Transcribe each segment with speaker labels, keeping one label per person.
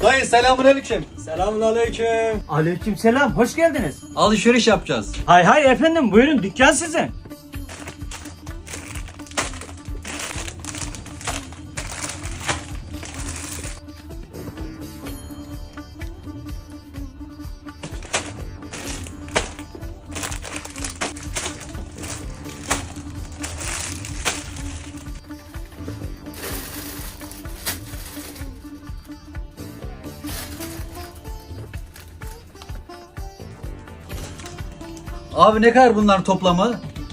Speaker 1: Dayı selamünaleyküm.
Speaker 2: Selamünaleyküm.
Speaker 3: Aleykümselam, hoş geldiniz.
Speaker 1: Alışveriş yapacağız.
Speaker 3: Hay hay efendim, buyurun, dükkan sizin.
Speaker 1: Abi ne kadar bunların toplamı?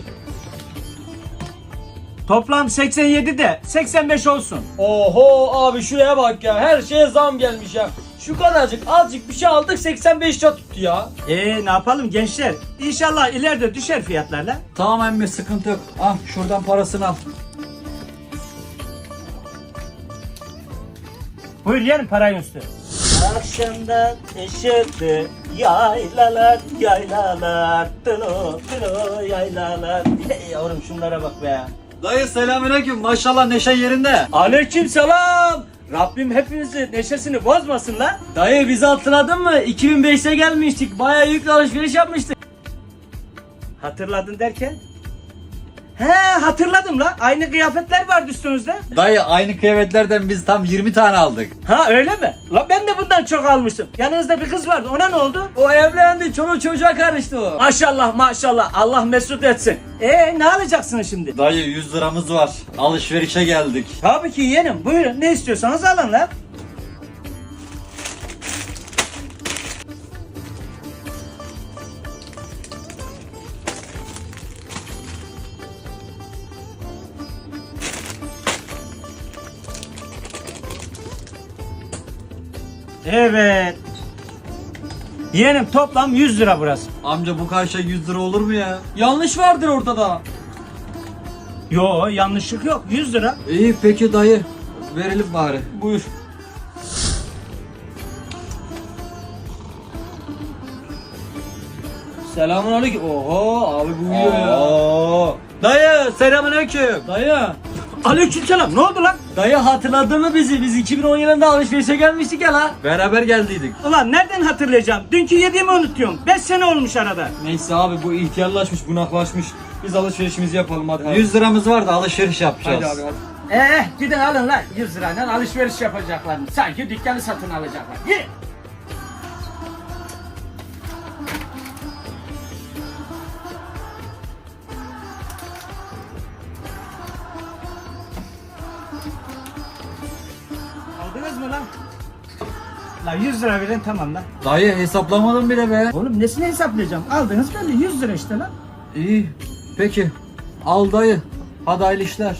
Speaker 3: Toplam 87 de 85 olsun.
Speaker 2: Oho abi şuraya bak ya. Her şeye zam gelmiş ya. Şu kadarcık azıcık bir şey aldık 85 lira tuttu ya.
Speaker 3: Ne yapalım gençler? İnşallah ileride düşer fiyatlarla.
Speaker 1: Tamam emmi, sıkıntı yok. Al şuradan parasını al.
Speaker 3: Buyur yerim, parayı üstü. Akşamdan ışıklı yaylalar yaylalar tılo tılo yaylalar. Hey yavrum şunlara bak be.
Speaker 1: Dayı selamünaleyküm. Maşallah neşe yerinde.
Speaker 3: Aleykümselam. Rabbim hepimizi neşesini bozmasın lan.
Speaker 2: Dayı bizi hatırladın mı? 2005'te gelmiştik. Bayağı yüklü alışveriş yapmıştık.
Speaker 3: Hatırladın derken? He hatırladım la. Aynı kıyafetler vardı üstünüzde.
Speaker 1: Dayı aynı kıyafetlerden biz tam 20 tane aldık.
Speaker 3: Ha öyle mi? La ben de bundan çok almıştım. Yanınızda bir kız vardı. Ona ne oldu?
Speaker 2: O evlendi. Çoluk çocuğa karıştı o.
Speaker 3: Maşallah maşallah. Allah mesut etsin. Ne alacaksınız şimdi?
Speaker 1: Dayı 100 liramız var. Alışverişe geldik.
Speaker 3: Tabii ki yeğenim. Buyurun ne istiyorsanız alın la. Evet. Yeğenim toplam 100 lira burası.
Speaker 1: Amca bu karşıya 100 lira olur mu ya?
Speaker 2: Yanlış vardır ortada.
Speaker 3: Yo yanlışlık yok. 100 lira.
Speaker 1: İyi peki dayı. Verelim bari.
Speaker 2: Buyur. Selamünaleyküm. Oho abi bu uyuyor ya.
Speaker 1: Oo. Dayı selamünaleyküm.
Speaker 2: Dayı.
Speaker 3: Aleykümselam. Ne oldu lan?
Speaker 2: Dayı hatırladın mı bizi? Biz 2010 yılında alışverişe gelmiştik ya la.
Speaker 1: Beraber geldiydik.
Speaker 3: Ulan nereden hatırlayacağım? Dünkü yediğimi unutuyorum. 5 sene olmuş arada.
Speaker 2: Neyse abi bu ihtiyarlaşmış, bunaklaşmış. Biz alışverişimizi yapalım hadi.
Speaker 1: 100 liramız var da alışveriş yapacağız.
Speaker 2: Hadi abi hadi.
Speaker 3: Gidin alın lan 100 lirayla alışveriş yapacaklar. Sanki dükkanı satın alacaklar. Gidin. Aldınız mı lan? La 100 lira verin tamam lan.
Speaker 1: Dayı hesaplamadım bile be.
Speaker 3: Oğlum nesini hesaplayacağım? Aldınız böyle 100 lira işte lan.
Speaker 1: İyi. Peki. Al dayı. Hadi hayırlı işler.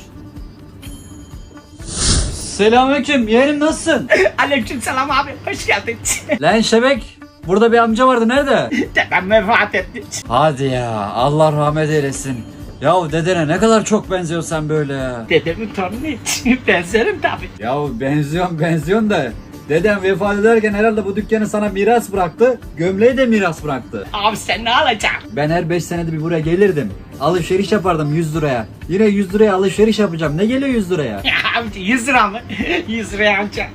Speaker 1: Selamünaleyküm. Yeğenim nasılsın?
Speaker 3: Aleykümselam abi hoş geldin.
Speaker 1: Lan Şebek. Burada bir amca vardı. Nerede?
Speaker 3: Dedem vefat etti.
Speaker 1: Hadi ya. Allah rahmet eylesin. Yahu dedene ne kadar çok benziyorsun sen böyle ya.
Speaker 3: Dedemin torunu benzerim tabi.
Speaker 1: Yahu benziyorsun da. Dedem vefat ederken herhalde bu dükkanı sana miras bıraktı. Gömleği de miras bıraktı.
Speaker 3: Abi sen ne alacaksın?
Speaker 1: Ben her 5 senede bir buraya gelirdim. Alışveriş yapardım 100 liraya. Yine 100 liraya alışveriş yapacağım. Ne geliyor 100 liraya?
Speaker 3: Ya abi 100 lira mı? 100 liraya ancak.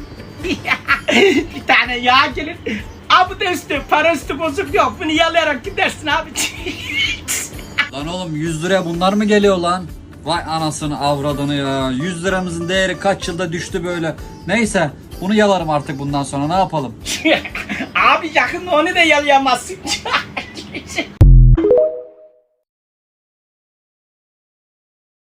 Speaker 3: Bir tane yağ gelir. Abi de üstü, para üstü bozuk yok. Bunu yalayarak gidersin abi.
Speaker 1: Lan oğlum 100 liraya bunlar mı geliyor lan? Vay anasını avradını ya. 100 liramızın değeri kaç yılda düştü böyle. Neyse bunu yalarım artık bundan sonra, ne yapalım?
Speaker 3: Abi yakında onu da yalayamazsın.